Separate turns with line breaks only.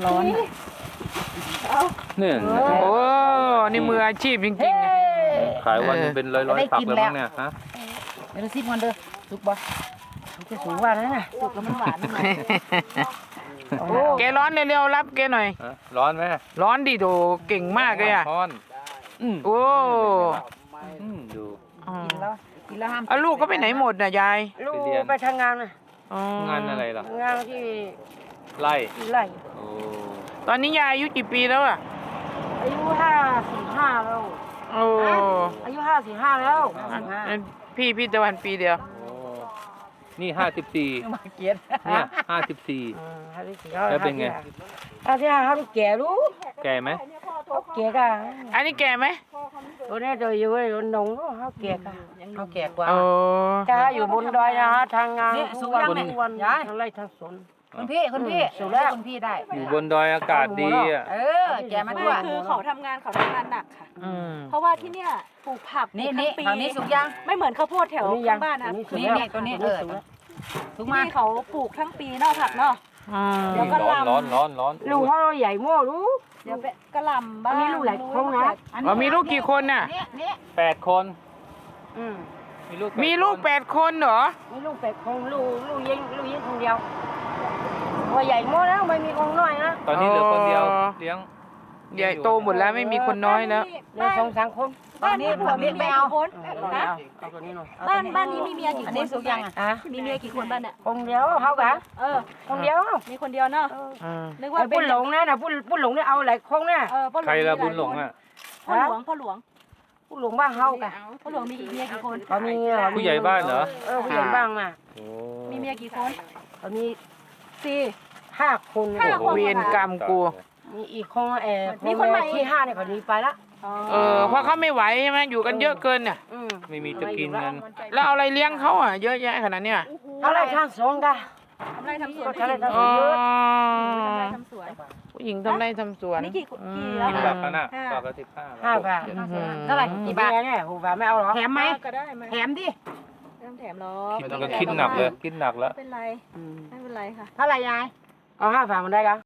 ร้อน
เนี่ย
โอ้นี่มืออาชีพจริงๆ
ขายวันนึงเป็นร้อยฝักเลยมั้งเนี่ยฮะ
เดี๋ยวซิมกันเด้อสุกบ่สุกจะสูงว่านั่นน่ะสุกแล้วมันหวานนะ
แกร้อนเร็วๆรับแกหน่อย
ร้อนไหม
ร้อนดิโดเก่งมากเลยอ่ะ
ร้อน
โอ้
ดู
กินแล้วห้าม
เอาลูกก็ไปไหนหมดน่ะยาย
ลูกไปทำงานน่ะ
อ๋อง
านอะไรล่ะ
งานที่
ไล่
ไร่
โอ้
ตอนนี้ยายอายุกี่ปีแล้วอ่ะ
อายุ55แล้ว
โอ้
อายุ55แล้ว
พี่ตะวันปีเดียว
นี่54
มาเกียด
เนี่ย54 แล้วเป็นไง
55เขาแก่รู้
แก่ไหม
แก่กัน
อันนี้แก่ไหม
ตัวนี้ตัวอยู่ไอ้นงเขาแก่กัน
เขาแก่กว่า
โอ้
ถ้าอยู่บนดอยนะฮะทางงาน
นี่สูงยังเนี่ย
ทุกวัน
ยาย
ทั้งไร่ทั้งสวน
คุณพี่คุณพี่ได้
อยู่บนดอยอากาศดีอ่ะ
แกมา
ไม่
ด้วย
คือเขาทำงานหนักค่ะ
อืม
เพราะว่าที่เนี่ยปลูกผัก
นี่
ปลูกทั้งปี
ฝั่งนี้สุกยัง
ไม่เหมือนข้าวโพดแถวข้างบ้านนะ
นี่ตัวนี้สุกมา
ที่เขาปลูกทั้งปีเนอกผักเนาะ
อืม
แล้วก็
ร้อนร้อนร้อนร้อน
ลูกเขาใหญ่มั่วรู้
เดี๋ยวไปกระหล่ำบ้าง
อันนี้ลูกหลายคนนะ
อ๋อมีลูกกี่คนน่ะ
8 คน
อืม
มีลูก8 คนเหรอ
มีลูกเป็ดคงลูกยิงคนเดียวว่าใหญ่มั่วแล้วไม่มีคนน้อยนะ
ตอนนี้เหลือคนเดียวเลี้ยง
ใหญ่โตหมดแล้วไม่มีคนน้อยแล้ว
เหลือ2-3 คน
บ้านนี้ผัวมีเมียกี่คนนะ
เอาตัวนี้หน่อย
บ้านนี้มีเมียกี่
อัน
ค
นี้
น
สุกยังอ่ะ
มีเมียกี่คนบ้านเนี่ย
คนเดียวเขากะ
เออ
คนเดียว
มีคนเดียวเนาะ
อืม
นึกว่า
ไอ้
เป็
ปุ้
น
นหลงนะปุ้นหลงเนี่ยเอาหลายคนเนี่ย
พ่อหลวง
ใครละบุญหลงอ่ะ
พ่อหลวง
ปุ้นหลงบ้านเขากะ
พ่อหลวงมีเมียกี่คน
เขามี
ผู้ใหญ่บ้านเหรอ
ผู้ใหญ่บ้านน่ะ
โอ้
มีเมียกี่คน
เขามี
สี่
5 คน
เวรกรรมกู
มีอีกคนคนที่5เนี่ยเขาหนีไปละ
เพราะเขาไม่ไหวใช่ไหมอยู่กันเยอะเกินน่ะ
ไม่มีจะกินกัน
แล้วเอาอะไรเลี้ยงเขาอ่ะเยอะแยะขนาดเนี้ย
เขาไล่ทางสวนกะ
ทำไรทำสวน
เขาไล่ทางส
อ๋
ว
อน
เยอะ
ทำไรทำสวน
ผู้หญิงทำไร่ทำสวน
นี่กี่
อื
กี่
ม
แล้ว
กินแบบนั้นอ่ะปกติ
5 บาท
เท่าไหร่
กี่
กี่
บา
บา
ท
ท
เนี่ยหูบาทไม่เอาหรอ
แถมไหม
ก็ได้ไหม
แถมดิ
ไม่ต้องแถมหรอก
คิดหนักเลยคิดหนักแล้ว
ไม่เป็นไรไม่เป็นไรค่ะ
เท่าไหร่ยาย
เอา5 บาทมันได้กะ